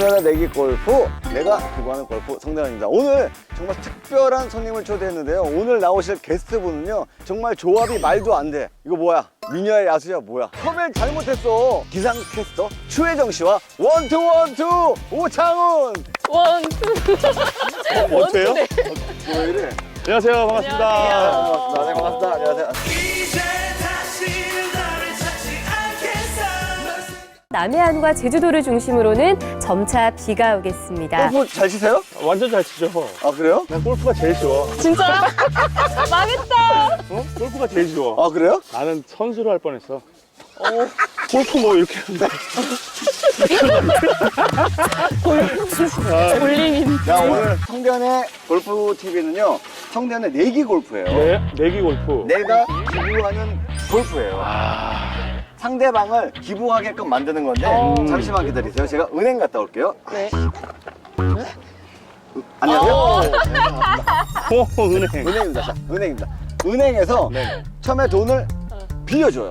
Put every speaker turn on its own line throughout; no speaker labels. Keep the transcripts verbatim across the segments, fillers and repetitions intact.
성대현의 내기 골프, 내가 기부하는 골프 성대현입니다. 오늘 정말 특별한 손님을 초대했는데요. 오늘 나오실 게스트분은요, 정말 조합이 말도 안 돼. 이거 뭐야? 미녀의 야수야 뭐야? 섭외 잘못했어. 기상캐스터 추혜정 씨와 원투 원투 오창훈.
원투.
어, 어때요?
어, 왜 이래?
안녕하세요. 반갑습니다.
안녕하세요.
반갑습니다. 네, 반갑습니다. 안녕하세요.
남해안과 제주도를 중심으로는 점차 비가 오겠습니다.
골프 잘 치세요?
완전 잘 치죠.
아, 그래요?
난 골프가 제일 쉬워.
진짜요? 망했다.
어? 골프가 제일 쉬워.
아, 그래요?
나는 선수로 할 뻔했어. 어. 골프 뭐 이렇게 하는데.
볼링인.
자, 오늘 성대현의 골프 티비는요, 성대현의 내기 골프예요.
네, 내기 골프.
내가 기부하는 골프예요.
아,
상대방을 기부하게끔 만드는 건데
어.
잠시만 기다리세요. 제가 은행 갔다 올게요.
네.
안녕하세요.
오, 은행.
은행입니다. 자, 은행입니다. 은행에서
네.
처음에 돈을 빌려줘요.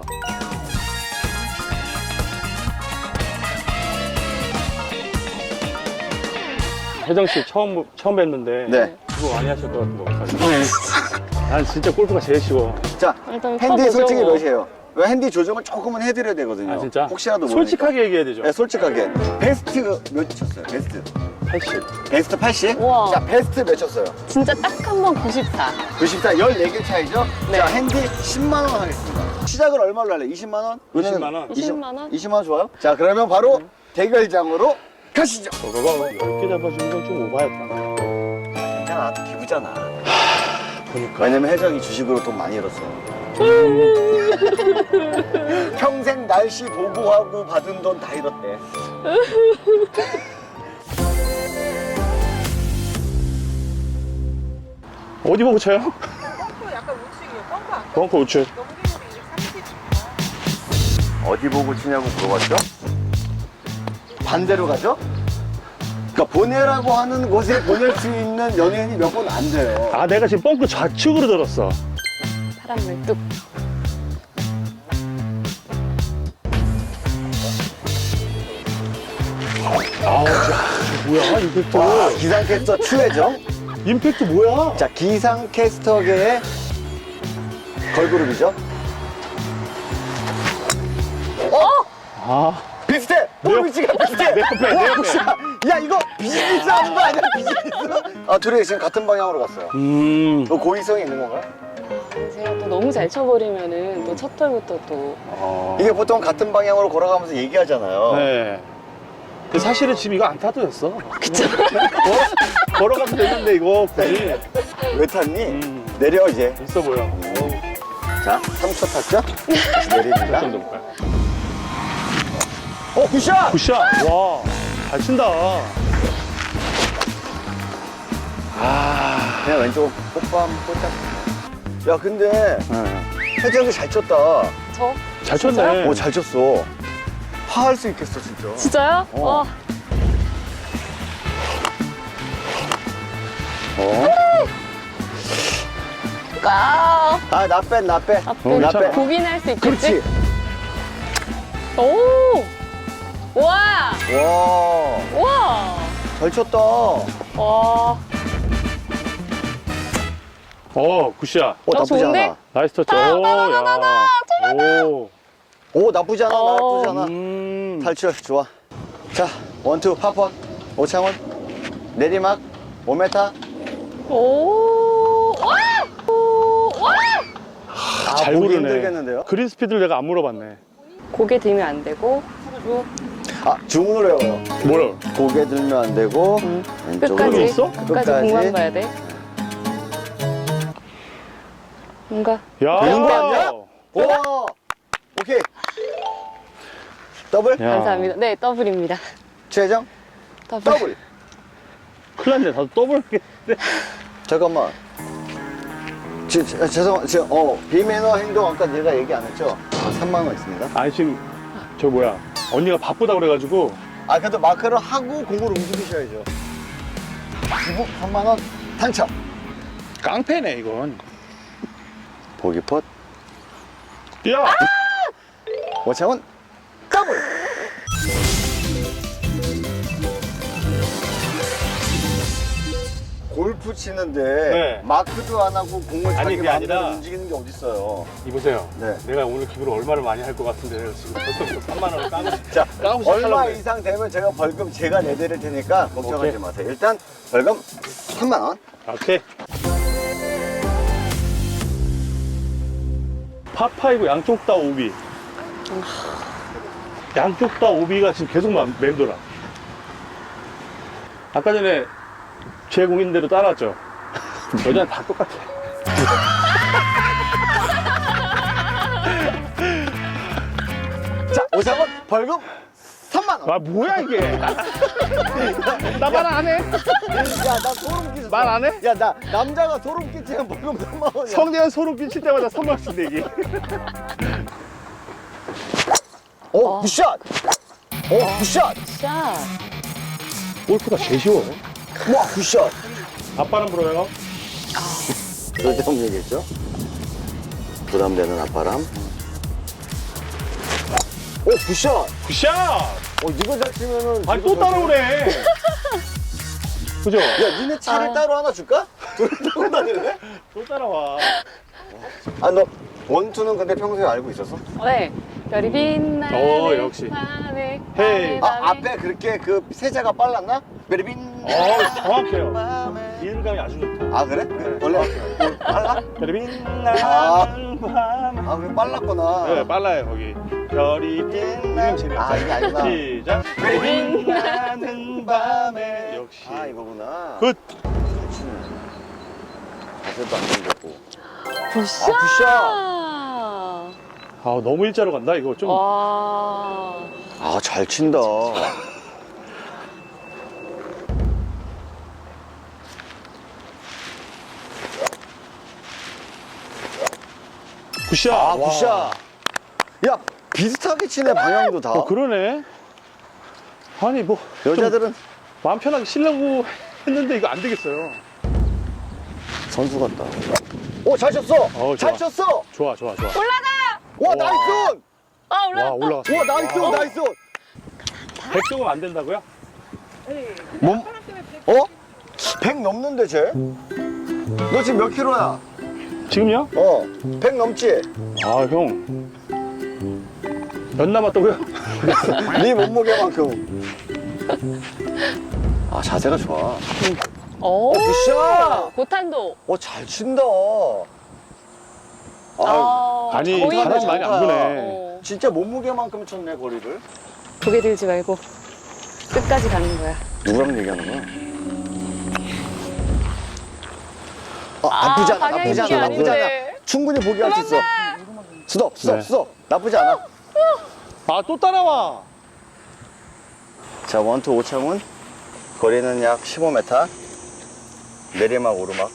혜정 씨 처음 처음 뵀는데
네.
그거 많이 하실 것 같은 거 같아요. 난 진짜 골프가 제일 쉬워.
자,
일단
핸디
쳐보죠,
솔직히
뭐.
몇이에요? 왜 핸디 조정을 조금은 해드려야 되거든요.
아 진짜?
혹시라도 모르니까.
솔직하게 얘기해야 되죠.
네, 솔직하게. 베스트 몇 쳤어요? 베스트.
팔십.
베스트 팔십?
우와.
자, 베스트 몇 쳤어요?
진짜 딱 한 번 구십사.
구십사, 열네 개 차이죠?
네.
자, 핸디 십만 원 하겠습니다. 시작을 얼마로 할래? 이십만 원?
이십만 원.
이십만 원?
이십만 원 좋아요? 자, 그러면 바로 대결장으로 가시죠.
저거가 열 개 잡아주는 건 좀 오바였다.
괜찮아, 기부잖아.
보니까.
왜냐면 혜정이 주식으로 돈 많이 잃었어. 평생 날씨 보고하고 받은 돈 다 잃었대.
어디 보고 쳐요?
약간 우측이에요. 뻥커 안
벙커 우측.
넘기면 이백삼십.
어디 보고 치냐고 물어봤죠? 반대로 가죠? 그러니까 보내라고 하는 곳에 보낼 수 있는 연예인이 몇 번 안 돼요.
아, 내가 지금 벙커 좌측으로 들었어.
파란물 뚝.
아우, 야, 저 뭐야, 임팩트.
와, 기상캐스터 추혜정.
임팩트 뭐야?
자, 기상캐스터계의 걸그룹이죠.
아,
비슷해!
내
볼 위치가 비슷해!
내 옆에, 내
와,
옆에.
야, 야, 이거 비즈니스 하는 거 아니야, 비즈니스? 아, 둘이 지금 같은 방향으로 갔어요.
음.
너 고의성이 있는 건가요?
제가 또 너무 잘 쳐버리면은 또 첫 털부터 또.
어.
이게 보통 같은 방향으로 걸어가면서 얘기하잖아요.
네. 근데 사실은 지금 이거 안 타도 됐어. 그쵸? 어? 걸어가도 되는데, 이거 굳이.
왜 탔니?
음.
내려, 이제.
있어 보여.
자, 삼 초 탔죠? 다시 내립니다.
좀 볼까요?
어, 굿샷!
굿샷! 와, 잘 친다. 아.
그냥 왼쪽 꽃밤 꽂자. 야, 근데
네.
혜정이 잘 쳤다.
저?
잘
진짜요?
쳤네.
오, 잘 쳤어. 화할 수 있겠어, 진짜.
진짜요?
어.
와.
어?
아.
아, 나 빼, 나 빼.
앞에
나
괜찮아.
빼.
보긴 할 수 있겠지?
그렇지.
오. 와.
와,
와.
잘 쳤다.
와.
어, 굿샷.
어, 나쁘지
좋은데?
않아.
나이스 터치.
나,
오,
나, 나, 나, 나,
야. 오.
오, 나쁘지 않아,
어.
나쁘지 않아.
음.
탈출, 좋아. 자, 원투, 파펀, 오창훈, 내리막, 오 미터.
오. 와. 오. 와.
아,
잘
보기
고르네.
힘들겠는데요?
그린 스피드를 내가 안 물어봤네.
고개 들면 안 되고 쭉
아, 주문을 외워요.
뭐야?
고개 들면 안 되고,
음.
왼쪽으로.
끝까지
있어?
끝까지 공만 봐야 돼. 뭔가
야.
되는 거 아니야? 오! 오케이. 더블?
야.
감사합니다. 네, 더블입니다.
최정?
더블.
더블.
큰일 났네. 나도 더블.
잠깐만. 지, 지, 죄송, 지금, 어, 비매너 행동 아까 내가 얘기 안 했죠? 아, 삼만 원 있습니다.
아니, 지금, 저 뭐야. 언니가 바쁘다 그래가지고.
아, 그래도 마크를 하고 공을 움직이셔야죠. 기부 삼만 원 당첨.
깡패네, 이건.
보기 폿.
야!
오창훈 더블. 골프 치는데
네.
마크도 안 하고 공을
아니,
자기
그게
마음대로
아니라-
움직이는 게 어딨어요.
이보세요.
네.
내가 오늘 기부를 얼마를 많이 할 것 같은데 내가 지금 벌써부터 삼만 원을 까고
자,
까고
얼마
시작하려고 그래.
이상 되면 제가 벌금 제가 내드릴 테니까 걱정하지
오케이.
마세요. 일단 벌금 삼만 원.
오케이. 파파이브 양쪽 다 오비. 양쪽 다 오비가 지금 계속 맘- 맴돌아. 아까 전에 제 공인대로 따라왔죠. 여자는 다 똑같아.
자, 오사번 벌금 삼만 원.
아 뭐야 이게? 나 말 안 해?
야, 나 소름 끼쳤어.
말 안 해?
야, 나 남자가 소름 끼치면 벌금 삼만 원이야.
성대한 소름 끼칠 때마다 삼만 원씩 내기.
오, 굿샷. 오, 굿샷.
샷.
골프가 제일 쉬워.
와, 굿샷.
아빠는 불어요.
쓸데없는 얘기했죠? 부담되는 앞바람. 오, 굿샷.
굿샷!
어, 이거 잘 치면은.
아니
이거
또
잘
따라오네. 그죠?
야, 니네 차를
아.
따로 하나 줄까? 둘이 타고 다닐래?
또 따라와.
아, 너 원투는 근데 평소에 알고 있었어?
네. 별이 빛나는
어, 역시.
밤에,
헤이.
밤에,
아,
밤에.
앞에 그렇게 그 세자가 빨랐나? 베리빈.
어, 정확해요.
밤에.
이해감이 아주 좋다.
아, 그래? 원래 어, 빨라?
별이
아.
빛나는 밤에.
아, 그래 빨랐구나.
네, 빨라요, 거기. 별이 빛나는 재미없어.
아, 이게 아니구나.
시작. 별이 빛나는 밤에. 역시.
아, 이거구나.
굿.
잘 치네. 자세도 안 생겼고.
굿샷.
아, 굿샷.
아, 너무 일자로 간다, 이거 좀.
와.
아, 잘 친다.
굿샷.
아,
와.
굿샷. 야, 비슷하게 치네, 방향도 다.
어, 그러네. 아니, 뭐. 좀
여자들은
마음 편하게 치려고 했는데 이거 안 되겠어요.
선수 같다. 오, 잘 쳤어.
어,
잘
좋아.
쳤어.
좋아, 좋아, 좋아.
와,
와.
나이스.
아,
와,
올라갔다.
올라갔어.
와, 나이스,
와.
나이스.
백 조금 안 된다고요?
네.
몸,
바람 때문에 백-
어? 백 넘는데, 쟤? 너 지금 몇 킬로야?
지금요?
어, 백 넘지?
아, 형. 몇 남았다고요?
네 몸무게만큼. 아, 자세가 좋아.
오.
굿샷.
고탄도.
어, 잘 친다. 아,
아,
아니,
거의
바람이
뭐.
많이 안 부네.
어.
진짜 몸무게만큼 쳤네, 거리를.
고개 들지 말고 끝까지 가는 거야.
누구랑 얘기하는 거야? 어, 나쁘지 않아,
방향이
나쁘지
이게
않아, 나쁘지 않아.
아닌데.
충분히 포기할 수 있어. 스톱, 스톱,
네.
스톱. 나쁘지 않아.
아, 또 따라와.
자, 원투 오창훈. 거리는 약 십오 미터. 내리막, 오르막.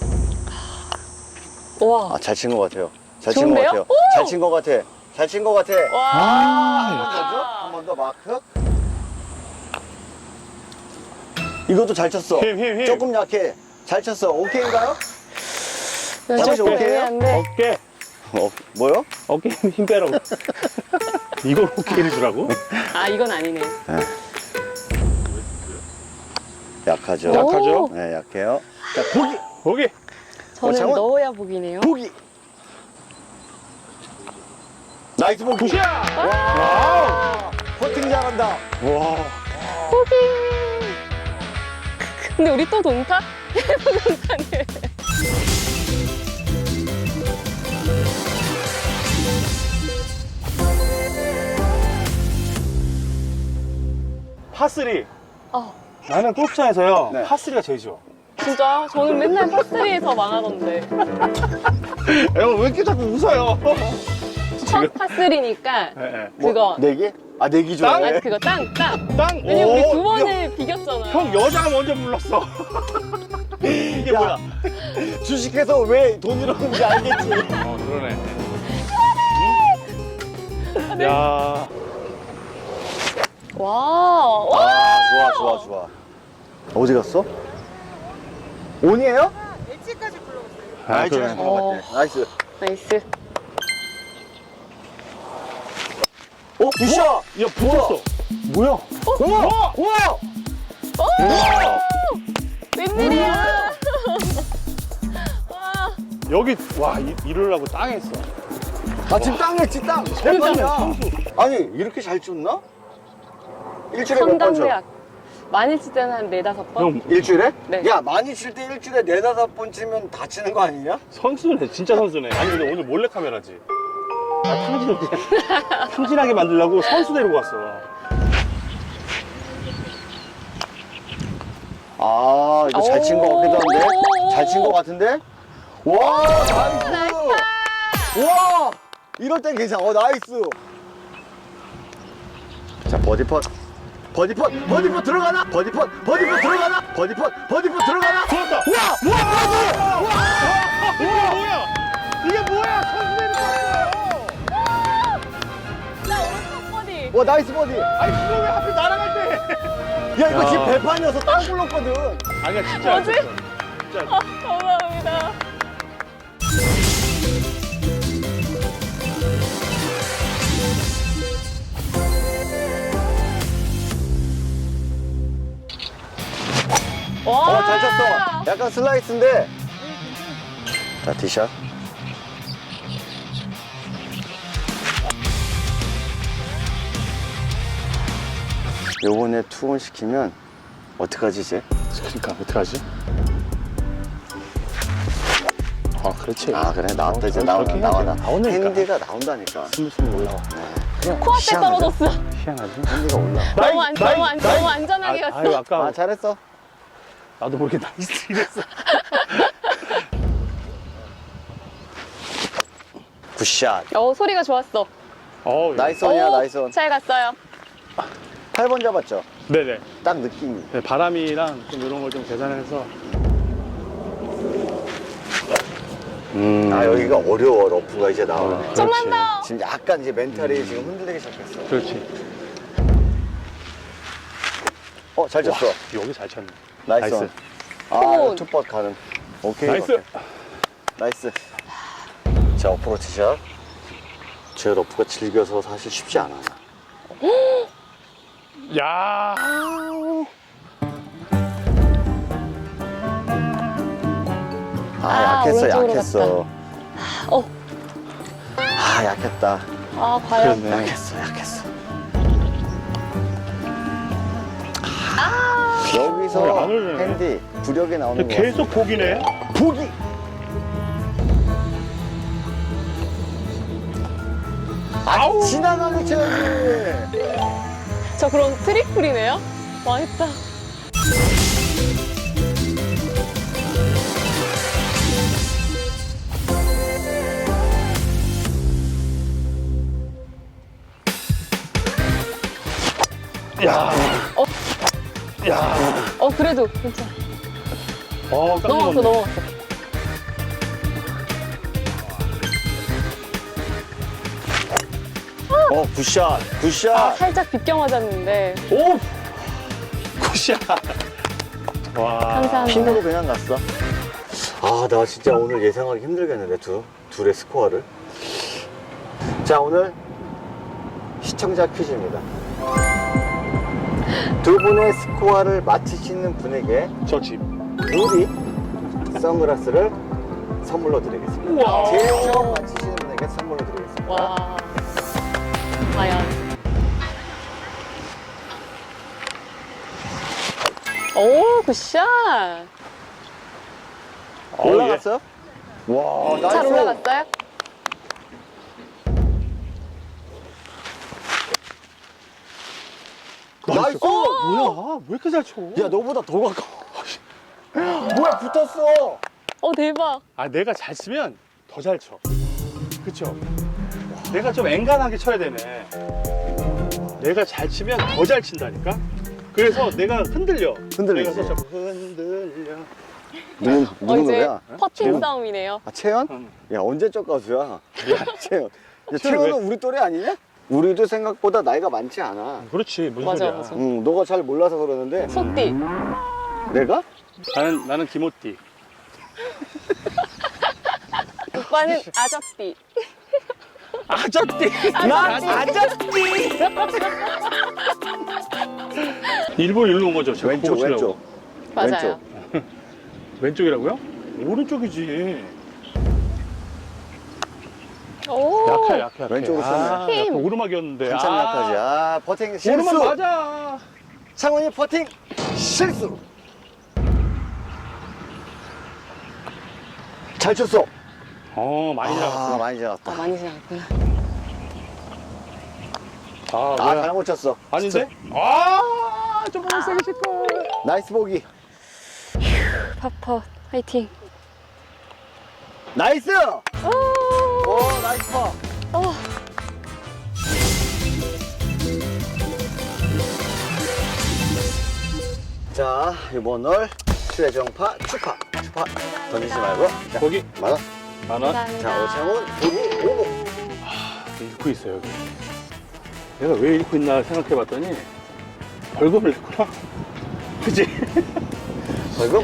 와.
아, 잘 친 것 같아요. 잘 친 것
좋은데요?
같아요.
오!
잘 친 것 같아. 잘 친 것 같아.
와.
한 번 더죠? 한 번 더 마크. 이것도 잘 쳤어.
힘, 힘, 힘.
조금 약해. 잘 쳤어. 오케이인가요? 잠시
조금
오케이요?
애매한데.
어깨.
어, 뭐요?
어깨 힘, 힘 빼라고. 이걸 오케이를 주라고?
아, 이건 아니네.
약하죠.
오.
약하죠?
네, 약해요. 자, 보기!
거기.
저는
장원.
넣어야 복이네요.
보기! 나이스 보기!
굿이야!
와! 퍼팅 잘한다.
와.
포기. 근데 우리 또 동타? 동타네.
파쓰리.
어,
나는 골프장에서요.
네.
파쓰리가 제일 좋아.
진짜 저는 맨날 파스리에서 망하던데.
형, 왜 이렇게 자꾸 웃어요?
첫 파스리니까
예, 예.
그거.
내기? 아, 내기
땅?
좋아해.
아, 그거 땅, 땅.
땅!
왜냐면 우리
오,
두 번을 비겼잖아요.
형, 여자가 먼저 불렀어. 이게
야.
뭐야?
주식해서 왜 돈 잃었는지 알겠지?
어, 그러네. 응? 야.
와, 와.
아, 좋아, 좋아, 좋아. 어디 갔어? 온이에요?
엣지까지 불러오세요.
아,
나이스.
그래.
어.
나이스.
나이스.
어, 굿샷!
야, 붙었어. 뭐야?
우와! 우와!
웬일이야?
여기 와 이, 이러려고 땅에 있어.
아 지금 땅에 지 땅. 대박이야. 아니 이렇게 잘 쳤나? 일주일에 몇 번 쳐?
성당대학. 많이 칠 때는 한 네다섯 번?
형
일주일에?
네.
야 많이 칠 때 일주일에 네다섯 번 치면 다치는 거 아니냐?
선수네, 진짜 선수네. 아니 근데 오늘 몰래 카메라지. 나 탕진 탕진하게 만들려고 선수 데리고 왔어.
아 이거 잘 친 거 같기도 한데? 잘 친 거 같은데? 와 나이스! 와 이럴 땐 괜찮아. 어 나이스. 자 버디 펫 버디 펫 버디 펫 들어가나? 버디 펫 버디 펫 들어가나? 버디 펫 버디 펫 들어가나?
좋았다.
와! 와! 버디!
이게 뭐야? 이게 뭐야? 선수 데리고 왔어.
나 오른쪽 버디.
와 나이스 버디!
아니 그거 왜 하필 날아갈 때?
야 이거
야.
지금 배판이어서 땅 굴렀거든.
아니야 진짜.
뭐지?
안 쳤어. 진짜.
감사합니다. 와.
어 잘 쳤어. 약간 슬라이스인데. 자 티샷. 요번에 투혼 시키면 어떡하지 이제?
그러니까 어떡하지? 아 그렇지.
아 그래 나왔다 이제
어,
나와
저렇게
나와
해야지.
나.
나오니까.
핸디가 나온다니까.
스물스물 올라와.
코앞에
희한하다.
떨어졌어.
희한하지?
핸디가 올라.
너무, 안, 너무, 안, 너무 안전하게
아,
갔어.
아유 아까
아 잘했어.
나도 모르게 나이스 이랬어.
굿샷.
어, 소리가 좋았어.
어,
나이스 원이야
오,
나이스 원.
잘 갔어요.
팔 번 잡았죠?
네네.
딱 느낌이.
네, 바람이랑 좀 이런 걸 좀 계산해서. 음.
아 여기가 어려워 러프가 이제 나오네.
어.
좀만
그렇지.
더.
지금 약간 이제 멘탈이 지금 흔들리기 시작했어.
그렇지.
어 잘 쳤어.
와, 여기 잘 쳤네.
나이스.
나이스.
원. 아
오.
투퍼 가는. 오케이.
나이스.
오케이. 나이스. 자 어프로치 샷. 제 러프가 질겨서 사실 쉽지 않아.
야.
아,
아,
약했어
오른쪽으로
약했어.
어,
아 약했다.
아, 과연.
그렇네.
약했어 약했어.
아,
여기서
어, 안 올리네.
핸디 부력에 나오는 거.
계속 보기네.
보기.
아우.
지나가게 쳐야지.
저 그럼 트리플이네요? 망했다.
야.
어.
야.
어, 그래도 괜찮아.
어, 깜짝
넘어갔어,
놀랐네.
넘어갔어.
어 굿샷 굿샷.
아, 살짝 비껴 맞았는데.
오. 굿샷. 와.
감사합니다.
핀으로 그냥 갔어. 아, 나 진짜 오늘 예상하기 힘들겠는데, 두, 둘의 스코어를. 자, 오늘 시청자 퀴즈입니다. 두 분의 스코어를 맞히시는 분에게
저 집.
누리 선글라스를 선물로 드리겠습니다.
우와.
제일 처음 맞히시는 분에게 선물로 드리겠습니다.
와. 과연. 오, 굿샷.
올라갔어요? 와, 나이스.
잘 올라갔어요?
나이스.
뭐야? 왜 이렇게 잘 쳐?
야, 너보다 더 가까워. 뭐야, 붙었어.
어, 대박.
아, 내가 잘 치면 더 잘 쳐. 그쵸? 내가 좀 앵간하게 쳐야 되네. 내가 잘 치면 더 잘 친다니까? 그래서 내가 흔들려.
흔들리지.
내가 살짝 흔들려.
누구,
어,
누구
이제
노래야?
퍼팅
채연.
싸움이네요.
아, 채연?
응.
야, 언제적 가수야? 채연. 야,
채연
채연은 우리 또래 아니냐? 우리도 생각보다 나이가 많지 않아.
그렇지, 무슨
맞아,
소리야.
맞아.
응, 너가 잘 몰라서 그러는데.
소띠.
내가?
나는, 나는 김호띠.
오빠는 아저띠.
아저띠!
난
아저띠! 일본 일로 온 거죠? 제가
왼쪽,
보고 치려고.
왼쪽.
맞아요.
왼쪽.
왼쪽이라고요? 오른쪽이지.
오.
약해 약해 약해.
왼쪽으로
아,
쏘네.
약간 오르막이었는데.
한참
아,
약하지. 아, 버팅 실수.
오르막 맞아.
창훈이 버팅 실수. 잘 쳤어.
어 많이
아,
나갔어.
많이
아,
지나갔다.
많이 지나갔구나.
아,
아,
뭐야.
잘못 쳤어.
아닌데? 아, 좀만 세게 칠 걸.
나이스 보기.
파퍼 화이팅.
나이스.
오.
오, 나이스 파.
어.
자, 이번 홀 최정파 추파. 추파 던지지 말고. 자,
거기
맞아.
만 원.
감사합니다.
자, 오창훈 보기 오고.
잃고 있어요 여기. 내가 왜 잃고 있나 생각해봤더니 벌금을 냈구나. 그치?
벌금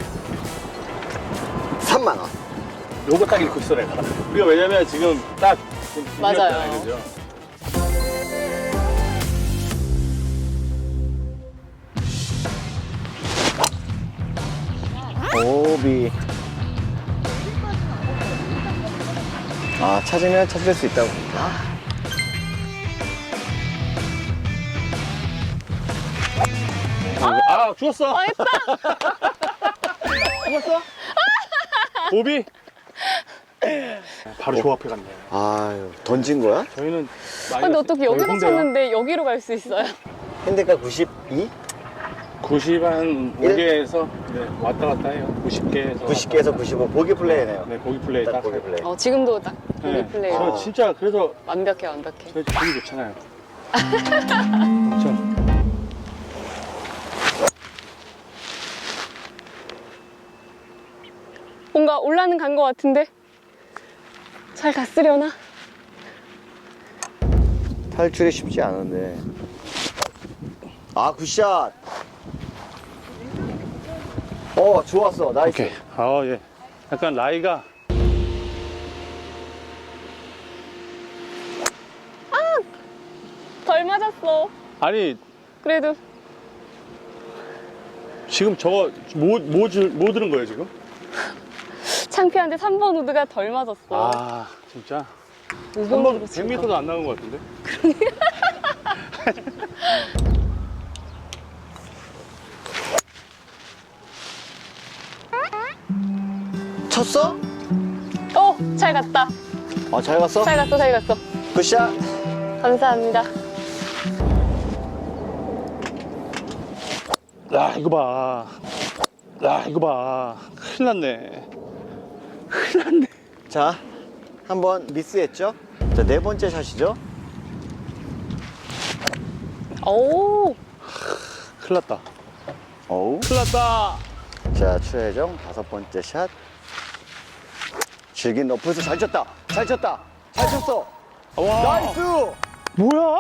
삼만 원.
요거 딱 잃고 있어 내가. 우리가 왜냐면 지금 딱
맞아요.
그죠?
오비. 아, 찾으면 찾을 수 있다고.
아 죽었어.
아, 했다.
죽었어? 오비. 바로 조 앞에 갔네.
아유, 던진 거야?
저희는
아, 근데 어떻게 여기서 쳤는데 여기로 갈 수 있어요?
핸드가 구십이?
구십 한 오 개에서 네, 왔다 갔다 해요. 구십 개에서
구십 개에서 구십오. 보기 플레이네요.
네 보기 플레이
딱
딱
보기 플레이.
어, 지금도 딱 보기
네.
플레이.
저
어.
진짜 그래서
완벽해, 완벽해.
저희 기분이 좋잖아요. 그렇죠.
뭔가 올라는 간 것 같은데? 잘 갔으려나?
탈출이 쉽지 않은데. 아, 굿샷. 어, 좋았어. 나이스.
오케이. 아 예. 약간 라이가
덜 맞았어.
아니
그래도.
지금 저거 뭐, 뭐, 줄- 뭐 들은 거예요 지금?
창피한데 삼 번 우드가 덜 맞았어.
아 진짜?
오
한 번
번으로 친
백
거.
미터도 안 나온 것 같은데?
쳤어?
어, 잘 갔다.
어, 잘 갔어?
잘 갔어, 잘 갔어.
굿샷.
감사합니다.
야 이거 봐. 야 이거 봐. 큰일 났네. 큰일 났네.
자, 한번 미스했죠? 자, 네 번째 샷이죠?
오,
큰일 났다.
어우.
큰일 났다.
자, 최혜정 다섯 번째 샷. 질긴 러프에서 잘 쳤다. 잘 쳤다. 잘 쳤어.
와.
나이스.
뭐야?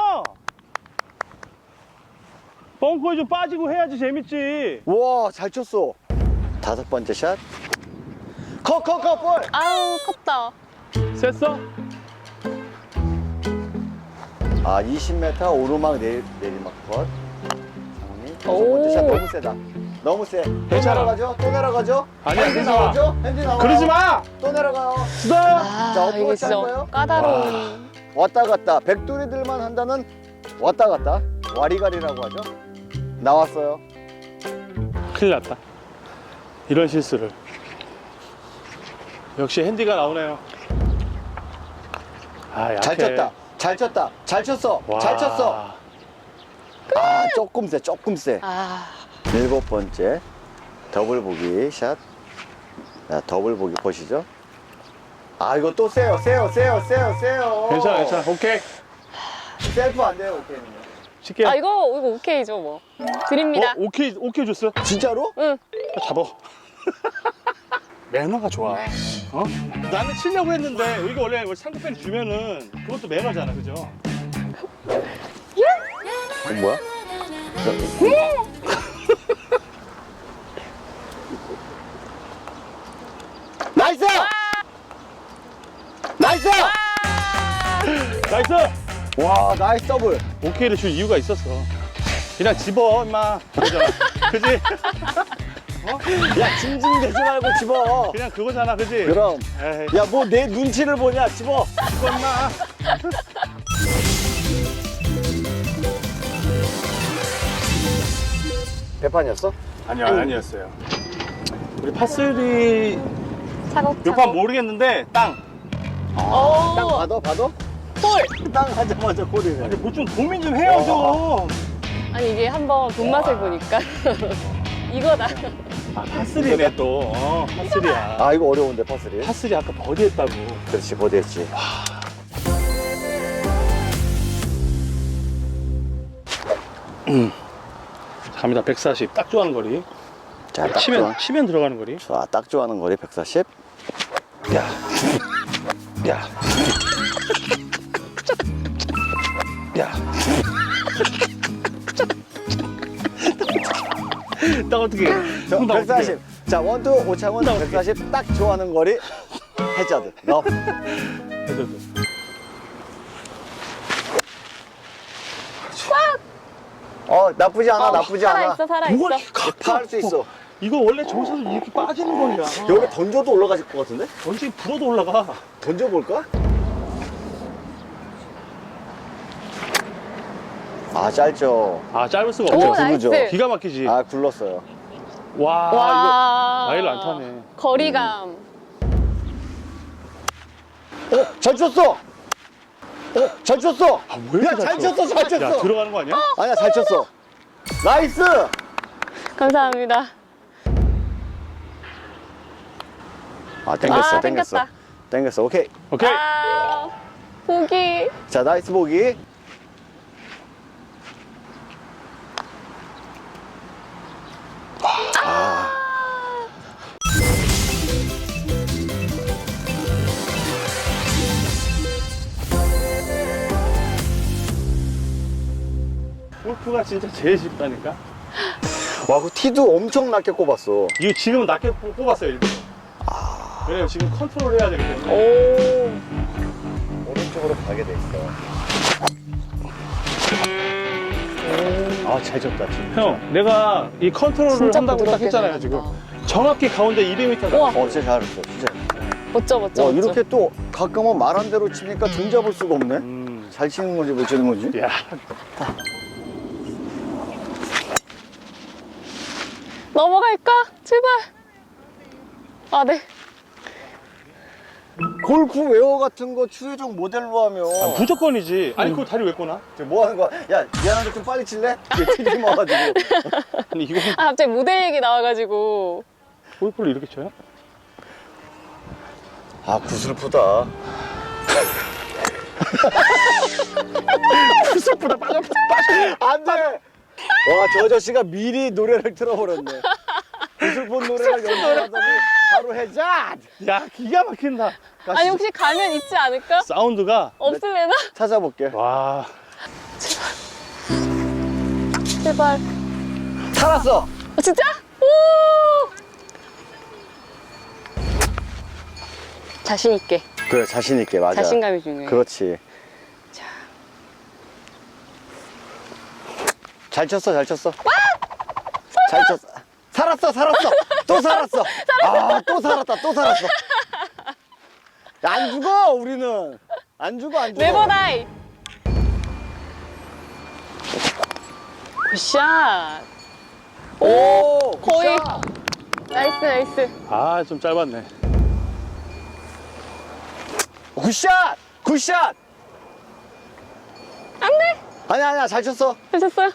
벙커에 좀 빠지고 해야지 재밌지.
와, 잘 쳤어. 다섯 번째 샷. 컷, 컷, 컷, 볼.
아우, 컸다.
셌어?
아, 이십 미터 오르막 내리, 내리막 컷. 장훈이 다섯
오.
번째 샷 너무 세다. 너무 세. 또
괜찮아.
내려가죠? 또 내려가죠?
아니야,
핸디
그러지 마.
나오죠? 핸디 나와요.
그러지 마.
또 내려가요.
수다.
아,
자,
이게
어프로치 할
진짜
거예요?
까다로운.
왔다 갔다. 백돌이들만 한다는 왔다 갔다. 와리가리라고 하죠. 나왔어요.
큰일 났다. 이런 실수를. 역시 핸디가 나오네요. 아, 약해.
잘 쳤다. 잘 쳤다. 잘 쳤어.
와.
잘 쳤어. 아, 조금 세. 조금 세.
아,
일곱 번째 더블 보기 샷. 자, 더블 보기 보시죠. 아, 이거 또 세요. 세요. 세요. 세요. 세요.
괜찮아, 괜찮아. 오케이.
셀프 안 돼요. 오케이는.
칠게요.
아 이거 이거 오케이죠 뭐. 드립니다.
어, 오케이, 오케이 줬어?
진짜로?
응.
아, 잡아. 매너가 좋아. 어? 나는 치려고 했는데 이거 원래 상대편이 주면은 그것도 매너잖아, 그죠?
어, 뭐야? 나이스! 나이스!
나이스!
와, 나이스 더블.
오케이를 줄 이유가 있었어. 그냥 집어, 임마. 그잖아. 그지?
야, 징징대지 말고 집어.
그냥 그거잖아, 그지?
그럼.
에이.
야, 뭐 내 눈치를 보냐? 집어.
마.
배판이었어?
아니요, 아니었어요. 우리 파슬리
차곡차곡.
몇 판 모르겠는데 땅.
오.
땅 받아 받아?
볼.
땅 하자마자 골이네.
아니 뭐좀 고민 좀 해요 좀.
아니 이게 한번 돈맛을 보니까 이거다.
아 파슬리네 또. 어, 파슬리야.
아 이거 어려운데 파슬이.
파슬리 아까 버디했다고.
그렇지 버디했지.
갑니다. 백사십 딱 좋아하는 거리.
자, 딱
치면
좋아.
치면 들어가는 거리.
자, 딱 좋아하는 거리 백사십.
야, 야, 야. 딱 어떻게?
저,
나 어떻게?
백사십. 자, 원투 오창훈
나 어떻게?
백사십 딱 좋아하는 거리 해저드. 너.
해줘도.
어, 나쁘지 않아,
어,
나쁘지 않아.
살아있어 살아있어.
뭐가
파할 수 있어.
이거 원래 저기서 이렇게 빠지는 거야.
여기 던져도 올라가질 것 같은데?
언제 불어도 올라가.
던져볼까? 아, 짧죠.
아 짧을 수가
오
없죠.
구르죠.
나이스.
기가 막히지.
아, 굴렀어요.
와,
와.
이거 마일을 안 타네.
거리감.
어, 잘 쳤어! 어, 잘 쳤어!
아, 왜 이렇게
야, 잘
쳐?
쳤어, 잘 쳤어!
야 들어가는 거 아니야?
아니야, 잘 쳤어. 나이스!
감사합니다.
아, 땡겼어,
아,
땡겼어.
땡겼다.
땡겼어, 오케이.
오케이.
아, 보기.
자, 나이스 보기. 아.
골프가 진짜 제일 쉽다니까.
와, 그 티도 엄청 낮게 꼽았어.
이거 지금은 낮게 뽑- 뽑았어요 일부러. 왜냐면 지금 컨트롤 해야 되기 때문에.
오.
오른쪽으로 가게 돼 있어. 아, 잘 쳤다, 진짜.
형, 내가 이 컨트롤을
진짜
한다고 딱
부드럽게
했잖아요
들어간다.
지금. 정확히 가운데 이백 미터.
우와.
어, 진짜 잘했어, 진짜.
멋져 멋져.
와,
멋져.
이렇게 또 가끔은 말한 대로 치니까 등 잡을 수가 없네.
음.
잘 치는 건지 못 치는 건지.
야,
넘어갈까? 제발. 아 네.
골프 웨어 같은 거 추혜정 모델로 하면
아, 무조건이지. 아니 그거 다리 왜 꺼나?
지금 뭐 하는 거야? 야, 미안한데 좀 빨리 칠래? 이게 티좀 와가지고.
아니 이거
아 갑자기 모델 얘기 나와가지고.
골프를 이렇게 쳐요?
아, 구슬프다.
구슬보다 빠져 빠져.
안 돼! 와, 저 아저씨가 미리 노래를 틀어버렸네. 구슬폰 노래를 연주하더니 바로 해자!
야 기가 막힌다.
아니 혹시 가면 있지 않을까?
사운드가
없을래나?
찾아볼게.
와.
제발.
살았어!
아, 진짜? 오. 자신 있게.
그래, 자신있게, 맞아.
자신감이 중요해.
그렇지.
자.
잘 쳤어, 잘 쳤어. 잘 쳤어. 살았어, 살았어. 또 살았어. 아, 또 살았다, 또 살았어. 야, 안 죽어, 우리는. 안 죽어, 안 죽어.
네버다이. 굿샷.
오,
거의.
굿샷.
나이스 나이스.
아 좀 짧았네.
굿샷! 굿샷!
안 돼.
아니야, 아니야, 잘 쳤어.
하셨어요?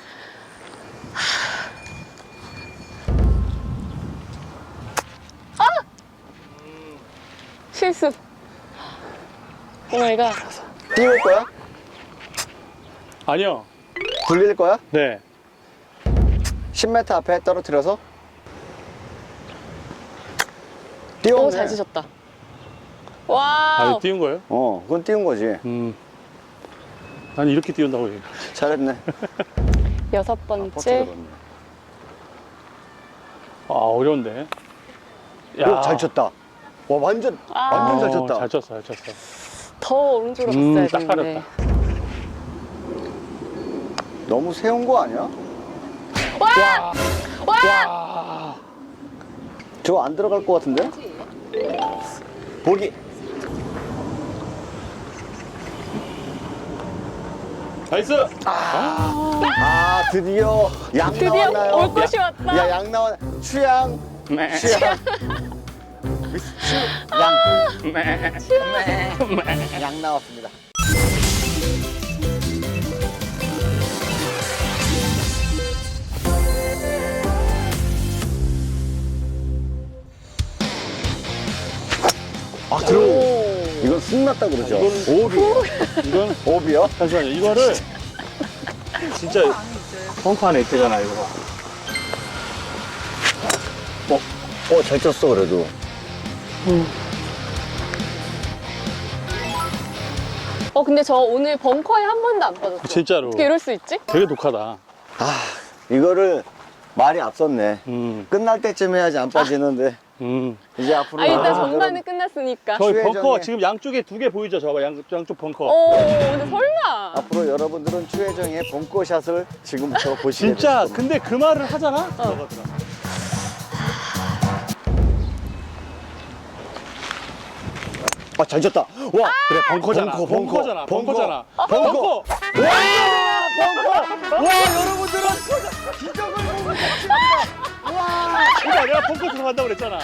아! 실수. 오 마이 갓.
띄울 거야?
아니요.
굴릴 거야?
네.
십 미터 앞에 떨어뜨려서?
오,
띄웠네.
잘 치셨다.
아
와우.
이거 띄운 거예요?
어, 그건 띄운 거지.
음. 난 이렇게 띄운다고 해요.
잘했네.
여섯
버튼
번째.
들었네.
아 어려운데.
오, 잘 쳤다. 와, 완전,
아.
완전 잘 쳤다.
어, 잘 쳤어, 잘 쳤어.
더 오른쪽으로
음,
갔어야
딱
되는데.
너무 세운 거 아니야?
와! 와!
와.
저거 안 들어갈 것 같은데? 보기.
나이스.
아, 드디어 양
드디어
나왔나요?
올 것이 왔다.
야, 양 나왔. 취향.
매.
취향. 미스 취. 양.
매.
양 나왔습니다. 아, 들어.
오.
이건 승났다 그러죠.
이건-
오비.
이건
오비요?
잠시만요. 이거를 진짜 펑크 안에 있대잖아 이거.
어, 어, 잘 쳤어, 그래도.
어 근데 저 오늘 벙커에 한 번도 안 빠졌어.
진짜로.
어떻게 이럴 수 있지?
되게 독하다.
아, 이거를 말이 앞섰네.
음.
끝날 때쯤 해야지 안 빠지는데.
음.
이제 앞으로.
아 일단
나가는
전반은 끝났으니까.
저희
수혜정의-
벙커 지금 양쪽에 두 개 보이죠? 저거 양, 양쪽 벙커.
오 근데 설마.
앞으로 여러분들은 추혜정의 벙커샷을 지금부터 보시게
진짜
될 겁니다.
근데 그 말을 하잖아?
어.
들어가더라.
아, 잘 쳤다. 와,
그래 벙커잖아.
벙커, 벙커,
벙커잖아.
벙커.
벙커잖아.
벙커.
벙커.
와, 벙커. 와, 여러분들은 기적을 보고 계십니다. 와,
그러니까 내가 벙커 들어간다고 그랬잖아.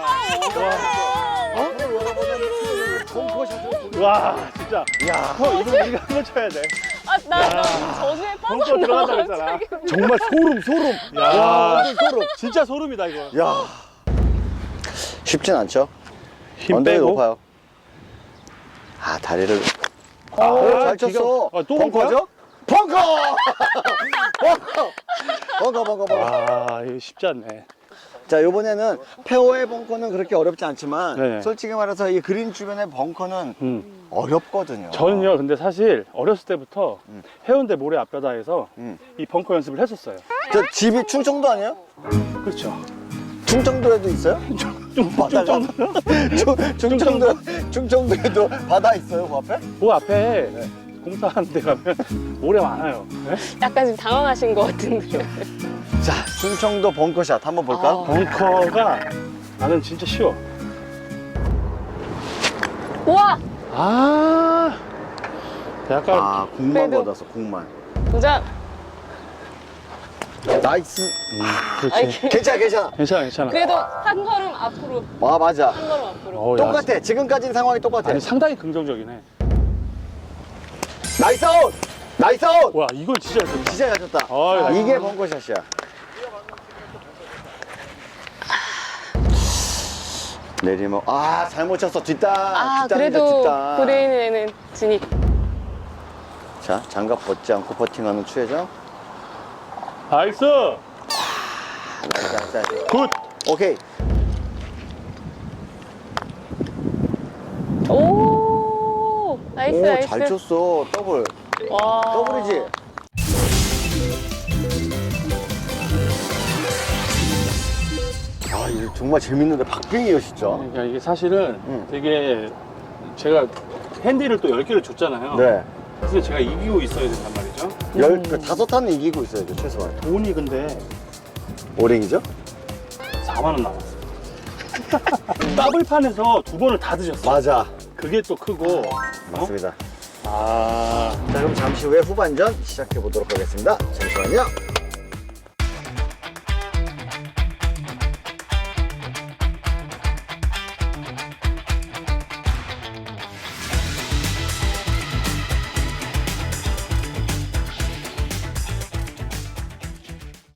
앞으로 여러분은 벙커샷을 보게.
와 진짜.
야,
형 이거 우리가 한번 쳐야 돼.
아나 나 저주에
벙커 들어간다
빠졌나.
그랬잖아.
정말 소름, 소름.
야.
와, 완전 소름.
진짜 소름이다 이거.
야, 쉽진 않죠.
힘
언덕이
빼고.
높아요. 아, 다리를.
아,
오, 잘
기가-
쳤어.
아, 또
벙커죠? 벙커! 벙커! 벙커, 벙커, 벙커.
아 이거 쉽지 않네.
자, 이번에는 페어웨이 벙커는 그렇게 어렵지 않지만
네.
솔직히 말해서 이 그린 주변의 벙커는
음.
어렵거든요.
저는요 근데 사실 어렸을 때부터
음.
해운대 모래 앞바다에서
음.
이 벙커 연습을 했었어요.
저 집이 충청도 아니에요?
그렇죠.
충청도에도 있어요? 바다가? 충- 충청도, 충청도에도 바다 있어요, 그 앞에?
그 앞에 공사하는 데 가면 모래 많아요. 네?
약간 지금 당황하신 것 같은데.
자, 충청도 벙커샷 한번 볼까요?
아.
벙커가 나는 진짜 쉬워.
우와
아 약간
아, 공만
그래도-
걷어서, 공만.
도장.
나이스.
음, 그렇지.
아이,
괜찮아, 괜찮아.
괜찮아 괜찮아.
그래도 한 걸음 앞으로.
아, 맞아.
한 걸음 앞으로.
어, 야,
똑같아. 지금까지 상황이 똑같아.
아니 상당히 긍정적이네.
나이스 아웃! 나이스 아웃!
와 이걸 진짜 잘 쳤다.
진짜 잘 쳤다.
어이, 나이스.
이게 벙커샷이야. 내리막. 아, 잘못 쳤어. 뒷땅.
아
뒷땅이다,
그래도
뒷땅.
브레인에는 진입.
자, 장갑 벗지 않고 퍼팅하는 추혜정.
나이스.
나이스, 나이스.
굿.
오케이.
오 나이스
오,
나이스.
잘 쳤어. 더블.
와.
더블이지? 아, 이거 정말 재밌는데. 박빙이에요, 진짜.
그러니까 이게 사실은
음.
되게 제가 핸디를 또 열 개를 줬잖아요.
네.
그래서 제가 이기고 있어야 된단 말이죠.
열, 그 다섯 탄은 이기고 있어야죠, 최소한.
돈이 근데
오랭이죠?
사만 원 남았어. 더블판에서 두 번을 다 드셨어.
맞아.
그게 또 크고.
맞습니다.
아.
자, 그럼 잠시 후에 후반전 시작해 보도록 하겠습니다. 잠시만요.